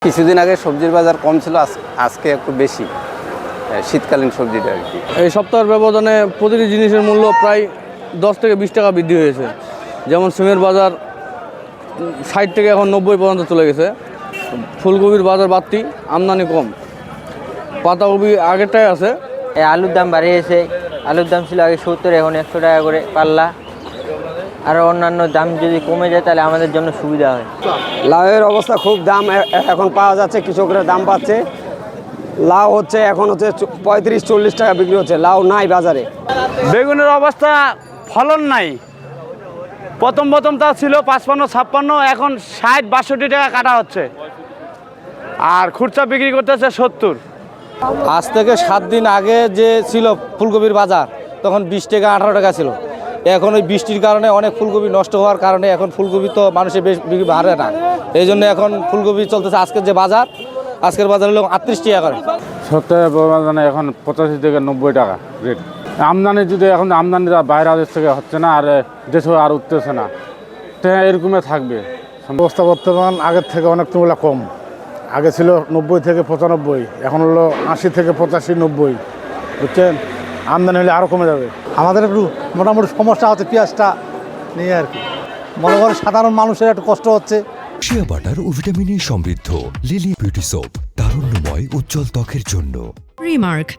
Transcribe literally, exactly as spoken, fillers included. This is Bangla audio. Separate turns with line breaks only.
কিছুদিন আগে সবজির বাজার কম ছিল, আজকে একটু বেশি শীতকালীন সবজিটা আর কি।
এই সপ্তাহের ব্যবধানে প্রতিটি জিনিসের মূল্য প্রায় দশ থেকে বিশ টাকা বৃদ্ধি হয়েছে। যেমন সিমের বাজার ষাট থেকে এখন নব্বই পর্যন্ত চলে গেছে। ফুলকপির বাজার বাড়তি, আমদানি কম। পাতাকপি আগেরটাই আছে।
এই আলুর দাম বাড়িয়েছে। আলুর দাম ছিল আগে সত্তর, এখন একশো টাকা করে পাল্লা। আর অন্যান্য দাম যদি কমে যায় তাহলে আমাদের জন্য সুবিধা হয়।
লাউয়ের অবস্থা খুব দাম এখন পাওয়া যাচ্ছে, কৃষকরা দাম পাচ্ছে। লাউ হচ্ছে এখন হচ্ছে পঁয়ত্রিশ চল্লিশ টাকা বিক্রি হচ্ছে, লাউ নাই বাজারে।
বেগুনের অবস্থা ফলন নাই। প্রথম প্রথম তা ছিল পাঁচপান্ন ছাপ্পান্ন, এখন ষাট বাষট্টি টাকা কাটা হচ্ছে, আর খুচরা বিক্রি করতেছে সত্তর।
আজ থেকে সাত দিন আগে যে ছিল ফুলকপির বাজার, তখন বিশ টাকা আঠারো টাকা ছিল। এখন ওই বৃষ্টির কারণে অনেক ফুলকপি নষ্ট হওয়ার কারণে এখন ফুলকপি তো মানুষের বেশ বিক্রি বাড়ে না। এই জন্য এখন ফুলকপি চলতেছে আজকের যে বাজার, আজকের বাজার হলো আটত্রিশ টাকা করে।
সত্তরের ব্যবধানে এখন পঁচাশি থেকে নব্বই টাকা রেট। আমদানি যদি এখন আমদানি বাইরে দেশ থেকে হচ্ছে না, আর দেশে আর উঠতেছে না, তো এরকমই থাকবে
অবস্থা। বর্তমান আগের থেকে অনেক তুলনা কম। আগে ছিল নব্বই থেকে পঁচানব্বই, এখন হলো আশি থেকে পঁচাশি নব্বই, বুঝছেন। আমদানি হলে আরও কমে যাবে। আমাদের একটু মোটামুটি সমস্যা হচ্ছে পেঁয়াজটা নিয়ে আর কি। মনে করেন সাধারণ মানুষের একটু কষ্ট হচ্ছে।
শিয়া বাটার ও ভিটামিনে সমৃদ্ধ লিলি বিউটি সোপ, তারুণ্যময় উজ্জ্বল ত্বকের জন্য।
রিমার্ক,